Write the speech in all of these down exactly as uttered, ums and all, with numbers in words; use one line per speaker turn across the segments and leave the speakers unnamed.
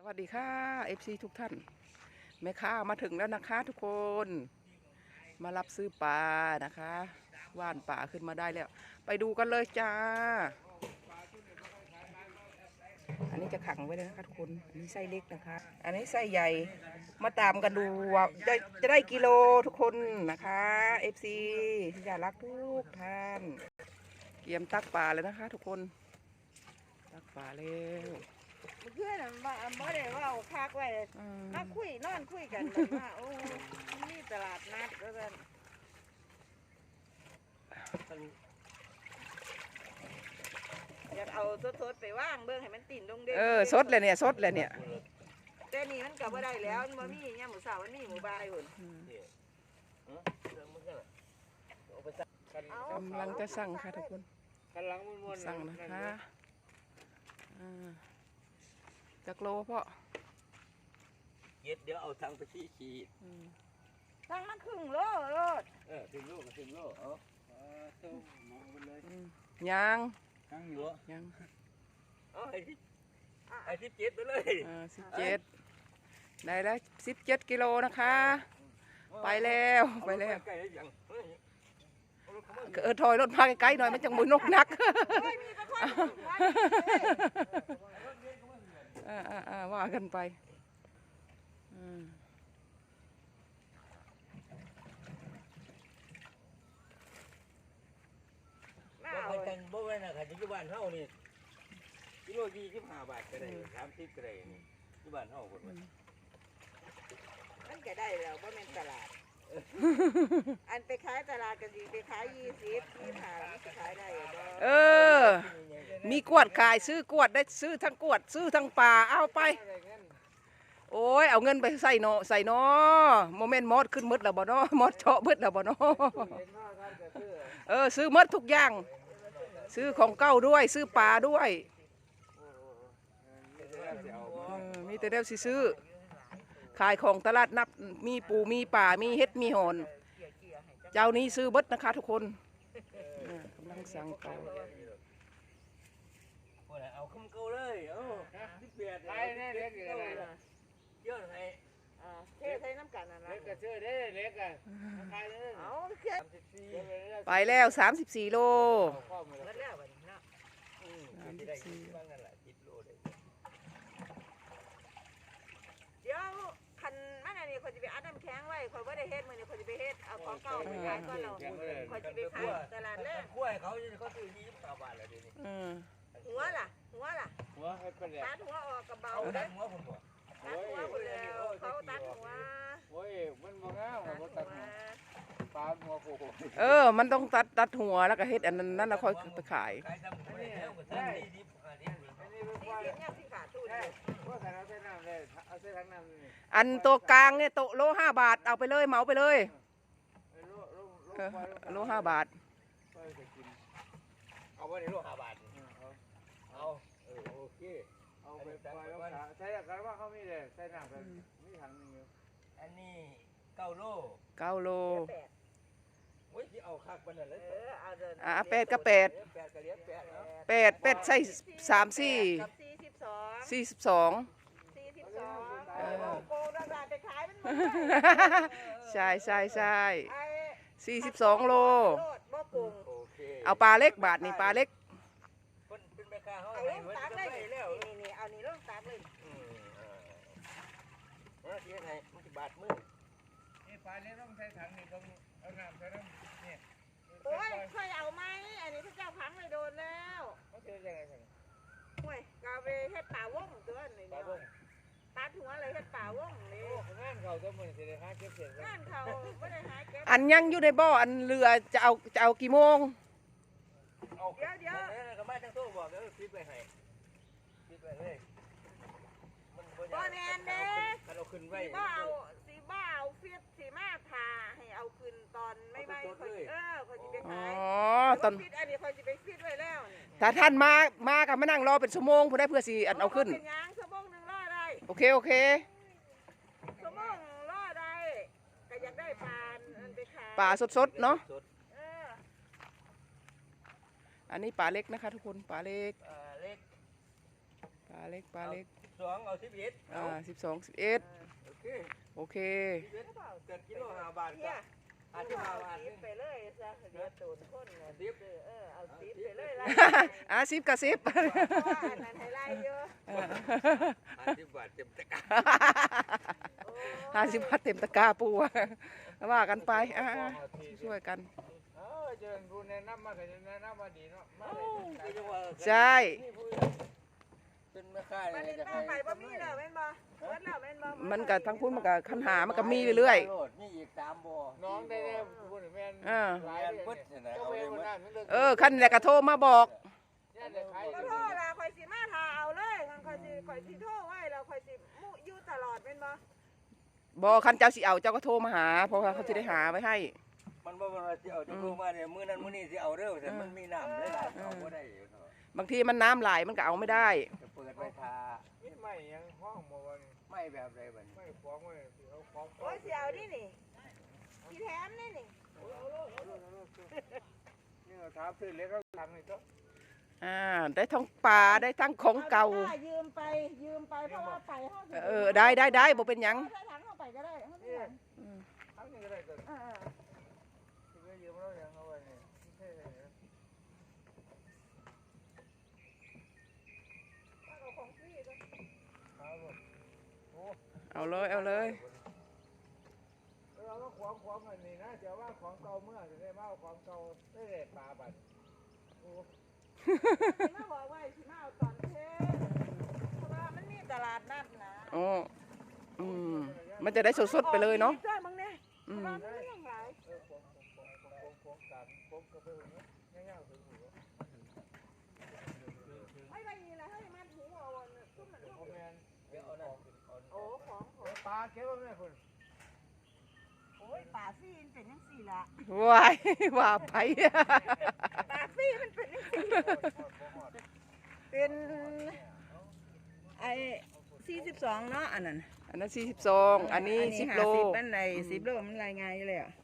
วัสดีค่ะ เอฟ ซี ทุกท่านแม่ค้ามาถึงแล้วนะคะทุกคน มารับซื้อปลานะคะว่านป่าขึ้นมาได้แล้ว ไปดูกันเลยจ้า อันนี้จะขังไว้เลยนะคะทุกคนอันนี้ไส้เล็กนะคะ อันนี้ไส้ใหญ่ มาตามกันดูว่าจะจะได้กิโลทุกคนนะคะ เอฟ ซี ที่อยากรักทุกท่านเตรียมตักปลาเลยนะคะทุกคน ตักปลาแล้ว
เพื่อนมาบ่ได้ว่าเอาคักไว้มาคุยนอนคุยกันว่าโอ้นี่ตลาดนัดก็กันอยากเอาสดๆไปว่างเบิ่งให้มันติ่นลงเด้อ
เออสดเลยเนี่ยสดเลยเนี่ย
แต่นี่มันก็บ่ได้แล้วมันบ่มียามมื้อเช้ามันมีหมู่บ้านพุ่น
กำลังจะสั่งค่ะทุกคนสั่งนะคะจากโลพ่อ
เย็ดเดี๋ยวเอาทางไปที่ขีด
สั่งมันครึ่งโลโลด
เออถึงโลก็ถึงโลเอาเจ้ามองไปเลย
ยัง
ยังอยู่
ยัง
เอาไอ้ที่ไอ้ที่เจ็ดไปเลย
อ่าสิบเจ็ดได้แล้วสิบเจ็ดกิโลนะคะไปแล้วไปแล้วเออถอยรถมาใกล้ๆหน่อยมันจังมือนกนักอ่าอ่าอ่าว่ากันไปอืม
เอาไปกันบ่ไว้นะค่ะที่บ้านเฮานี่กิโลยี่สิบห้าบาทก็ได้สามสิบก็ได้นี่ที่บ้านเฮาคนมัน
มันก็ได้แล้วบ่แม่นตลาดอันไปขายตลาดก็สิไปขายยี่สิบนี่ค่ะมันสิขายได้บ่
เออมีกวดขายซื้อกวดได้ซื้อทั้งกวดซื้อทั้งปลาเอาไปโอ้ยเอาเงินไปใส่เนาะใส่เนาะโมเมนต์มอดขึ้นมืดแล้วบ่เนาะมอดเจาะมืดแล้วบ่เนาะเออซื้อมืดทุกอย่างซื้อของเก่าด้วยซื้อปลาด้วยมีแต่เดียวสิซื้อขายของตลาดนับมีปูมีป่ามีเฮ็ดมีหอนเจ้านี้ซื้อเบิดนะคะทุกคนกำลังสั่งต่อ
เอาคำเก่าเลยเอาสิบแปดไล่แน่เล็กอยู่อะไรเยอะไง
อ่าเทใส่น้ำกันนั่นล่ะ
เล็กก็เชื่อได้เล็กอ่ะใครเลย
เอา
ไปแล้วสามสิบสี่โล
เดี๋ยวคันมันอันนี้คนจะไปอัดน้ำแข็งไว้คนว่าได้เฮ็ดมือนี่คนจะไปเฮ็ดเอาของเก่าไปขายก่อนเราคนจะไปขายตลาดแรก
กล้วยเขาเขาซื้อยี่สิบสามบาทเลยดิ
หัวล่ะหัวล่ะ
หัวให้เป็น
ตัดหัวออกกระเบา
ตัดหัวผมบอก
ตัดหัวคนแล้วเขาตัดหัว
โอ้ยมันบ่งามมันตัดหัวปลาหัวโค
เออมันต้องตัดตัดหัวแล้วก็เฮ็ดอันนั้นนั่นแล้วค่อยไปขายอันตัวกลางเนี่ยโตโลห้าบาทเอาไปเลยเหมาไปเลยโลห้าบาท
เอาไปในโลห้าบาทเอาเออโอเคเอาไปปล่อยแล้วใช้กันว่าเขามีเลยใช้น้ำกันมีถังนึงอยู่อันนี้เก้าโล
เก้าโล
โอ้ยที่เอาคักมันเลย
อ่าแปดก็แปดแปดแปดใส่สามสี่สี่สิบสองใช่ใช่ใช่สี่สิบสองโลเอาปลาเล็กบาทนี่ปลาเล็ก
เป็นแม่ค้าเขาเอาลูกตักเลยนี่นี่เอานี่ลูกตักเลย
เออที่ไหนมันจะบาดมือนี่ปลาเล็กต้องใช้ถังนี่ต้องเอาน้ำใส่น้ำนี่
โอ้ยค่อยเอาไหมอันนี้พระเจ้าพังเลยโดนแล้ว
เขาเจอยังไงสิ
ห่วยกาเวเฮ็ดป่าวงตัวนี่เนี่ยตัดหัวเลยเฮ็ดป่าวงนี่
งานเขาจะเหมือนสิได้หาเก็บเศษ
งานเขาไม่ได้หาเก็บ
อันยังอยู่ในบ่ออันเรือจะเอาจะเอากี่โมง
เดี๋ยวเดี๋ยว
ก็ไม่ทั้งโซ่บอกเดี๋ยวฟิตไปให้ฟิตไปเลย
บ่แน่เด้
เราขึ้นไว้
สีบ้าเอาสีบ้าเอาฟิตสีมาทาให้เอาขึ้นตอนไม่ไม่คนเออคนจะไปขาย
อ๋อตอน
ฟิตอันนี้คนจะไปฟิตไว้แล้ว
ถ้าท่านมามากับมานั่งรอเป็นชั่วโมงเพื่อได้เพื่อสีอันเอาขึ้น
เป็นยังชั่วโมงหนึ่งรอได้
โอเคโอเค
ชั่วโมงรอได้ก็อยากได้ปลาอันไปขาย
ปลาสดๆเนาะอันนี้ปลาเล็กนะคะทุกคนปลาเล็กปลาเล็กปลาเล็ก
สองเอาสิบเอ็ด
อ่าสิบสองสิบเอ็ด
โอเค
โอเค
สิบเอ็ดเกิดกิโลห้าบาท
เนี่
ก็
ย
อาทิตย์ห้าบาท
สิบไปเลยซะเหลือตูนคนน่ะ
สิบ
เออเอาสิบไปเลยล่ะ
อ่ะสิบกับสิบ
เพราะว่าอันนั้นให้ไล่เยอะ
ห้าสิบบาทเต็มตะกร้า
โอ้
ห้าสิบบาทเต็มตะกร้าปูอะว่ากันไปอ่ะช่วยกัน
เออเจอกูแนะนำมาก็จะแนะนำมาดีเนาะมาเลย
ใช่
เป็นแม่ค้า
มา
เล
เล่
ย
น
จะ
บ้า
ให้
นไปบ่มีแล้วแม่นบ่เบิดแล้วแม่นบ่
มันกับทั้งพุ่นมันกับคันหามันก็มีเรื่อย
มีอีกสามบ่อน้องได้ได้พูดแม่น
ๆอ่า
หลายพุทธนะเอาไปหมด
เออคันแหละก็โทรมาบอก
เนี่ยเลยขาย
ก็โทษล่ะข่อยสิมาทาเอาเลยคันข่อยสิข่อยสิโทรไว้แล้วข่อยสิมุอยู่ตลอดแม่นบ่
บอกคันเจ้าสิเอาเจ้าก็โทรมาหา เพราะว่าเขาจะได้หาไว้ให้
มันบ่ว่าสิเอาจะรู้มาเนี่ยมื้อนั้นมื้อนี้สิเอาเด้อแต่มันมีน้ำเลยล่ะเอาบ่ได้
บางทีมันน้ำไหลมันก็เอาไม่ได้
จะเปิดไว้ทาไม่ยังห้องบ่วันไม่แบบไรบัดไม่ฟ้องไว้เอาฟ้อง
โอ้ยสิเอานี่นี่สิแถมนี่นี่
นี่เราถามซื้อเล็กก็ทำนี่ก็
อ่าได้ทั้งปลาได้ทั้งของเก่า
อยืมไปยืมไปเพราะว่าไปเฮาสิ
เออได้ได้ได้บ่เป็นหยัง
เอาใส่ถังเข้าไปก็ได้เฮาสิถัง
ทำนี่ก็ได้ก็
เออ
ที่ก็ยืมเราอย่างเอาไว้นี่ใช่เลย
เอาของฟรีก็
เอาหมดโอ้
เอาเลยเอาเลย
เราก็ขวางขวางอันนี้นะจะว่าของเก่าเมื่อจะได้มาเอาของเก่าได้เลยปลาบัดโอ้
สิมาบอกว่าสิมาเอาตอนเทศเพราะว่ามันมีตลาดนัดนะ
อ๋ออืมมันจะได้สดๆไปเลยเนาะ
ด้วยมึงเนี่ย
อื
เพ
ม
ราะว่ามันมีอย่างไร
เออของของของของของตามของกาแฟเนี่ยง่ายๆถึงหัว
ไม่ไปนี่แหละให้มันหูเอาอันน่ะซุ่มมัน
โอ้แมนเดี๋ยวเอาหน้า
โอ้ของของ
ปลาเก็บไว้แม่คุณ
โอ้ยป่าซี่มันเป็นยังสี่ละ
วายว่าไป
ป่าซี่มันเป็นยังสี่เป็นไอ้สี่สิบสองเนาะอันนั้น
อันนั้นสี่สิบสองอันนี้สิบโล
สิบอันไหนสิบโลมันรายงานอยู่เลยอ่ะ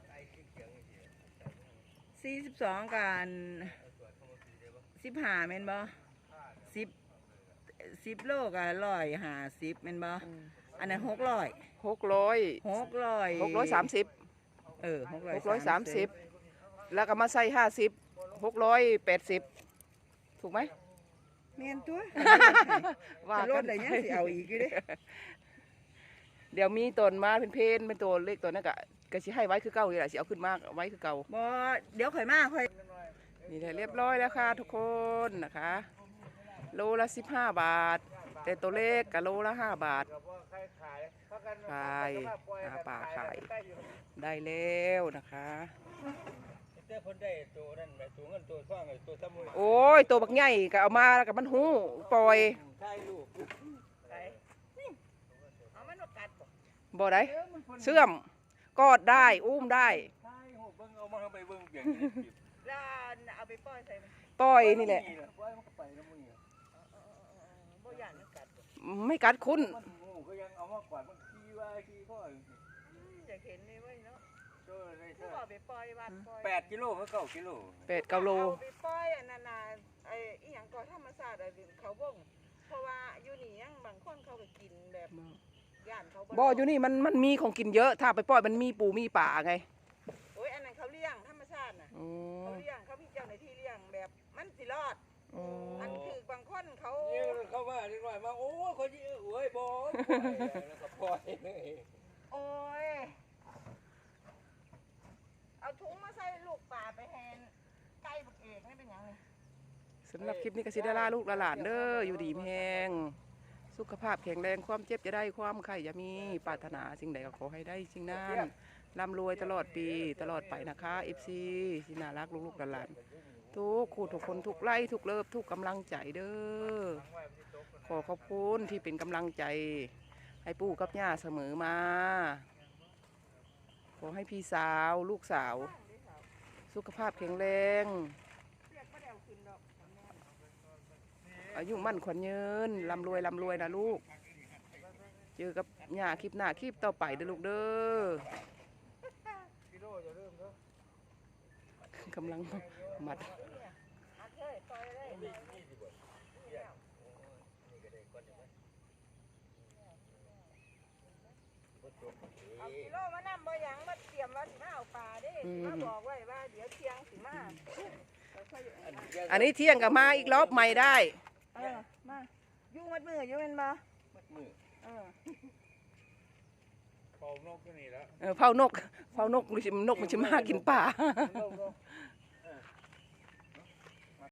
สี่สิบสองกันสิบห้าแม่นบ่สิบสิบโลกันร้อยห้าสิบแม่นบ่อันนั้นหกร้อย
หกร้อย
หกร้อย
หกร้อยสามสิบ
เออหกร้อย
หกร้อยสามสิบแล้วก็มาใส่ห้าสิบหกร้อยแปดสิบถูกไหม
แม่นตัว
ว่า
จะล
กั
ด
น
อะไรยังสิเอาอีกอยู่เด้
เดี๋ยวมีตนมาเป็นเพนเป็นตัวเลขตัวนั้นก็ก็สิให้ไว้คือเก่าเลยแหละสิเอาขึ้นมากไว้คือเก่า
บ่เดี๋ยวข่อยมาข่อย
นี่แหละเรียบร้อยแล้วค่ะทุกคนนะคะ โลละสิบห้าบาท แต่ตัวเลขกับโลละห้าบาท ขายหาปลาขาย ได้แล้วนะคะ
แต่คนได้ตัวนั่นแบบตัวเงินตัวทองตัวสมุน
โอ้ยตัวบักใหญ่ก็เอามาแล้วกับมันหูปล่อย
ใช่ลูก
ไปนี่เอามันมากัดบ่
บ่ได้เสื่อมกอดได้อุ้มได้
ใช่โหเบิ่งเอามาไปเบิ่งเปลี่ยน
แล้วเอาไปปล่อยใส่มัน
ปล่อยนี่แหละ
ปล่อยมันก็ไปแล้วมึง
บ่ย่านมันกัดบ่
ไม่กัดคุณ
มันงูก็ยังเอามากวาดมันขี้ว่าขี้พ่อ
อืมอยากเห็นนี่ไว้เนาะ
เจอได้
ผู้เอาไปปล่อยวัดปล่อย
แปดกิโลเมื่อเก้ากิโล
แปดเก้าโล
เอาไปปล่อยอันนั้นน่ะไอ้อีหยังก่อธรรมชาติไอ้เขาบ่งเพราะว่าอยู่นี่ยังบางคนเขาก็กินแบบย่านเขา
บ่อยู่นี่มันมันมีของกินเยอะ ถ้าไปปล่อยมันมีปูมีป่าไง
โอ้ยอันนั้นเขาเลี้ยงธรรมชาติน่ะ
อ๋อ
เขาเลี้ยงเขามีเจ้าหน้าที่เลี้ยงแบบมันสิรอด
อ๋อ
อันคือบางคนเขา
เนี่ยเข้ามานิดหน่อยมาโอ้คนยี่โอ้ยบอแล้วก็ปล่อย
โอ้ยเอาถุงมาใส่ลูกป่าไปแทนไก่บักเอกนี่เป็นหยังนี่
สำหรับคลิปนี้ก็สิได้ลาลูกลาหลานเด้ออยู่ดีมีแฮงสุขภาพแข็งแรงความเจ็บจะได้ความไข่จะมีปรารถนาสิ่งใดก็ขอให้ได้สิ่งนั้นร่ำรวยตลอดปีตลอดไปนะคะเอฟซีที่น่ารักลูกๆหลานๆทุกคู่ทุกคนทุกไล่ทุกเลิฟทุกกำลังใจเด้อขอขอบคุณที่เป็นกำลังใจให้ปู่กับย่าเสมอมาขอให้พี่สาวลูกสาว สุขภาพแข็งแรง
เรียกบ่ได้เอาขึ้นดอก
อายุมั่นขวัญยืนร่ำรวยร่ำรวยนะลูก เจอกับย่าคลิปหน้าคลิปต่อไปเด้อลูกเด้อ
กิโลจะเริ่มแล้ว
กำลังมัด
อัดเลยปล่อยเลย
นี่นี่ดีกว่านี่ก็ได้ก่อนใช่ไหม
เอากิโลมานำบ่หยังมาเตรียมว่าสิมาเอาปลาเด้มาบอกไว้ว่าเดี๋ยวเที่ยงสิมา
อันนี้เที่ยงก็มาอีกรอบใหม่ได้
เออมาอยู่มัดมืออยู่แม่นบ่
มัดมือ
เออ
เป่านกก็นี่แล้ว
เออเผานกเผานกมันสินกมันจะมากินป่า
นกนก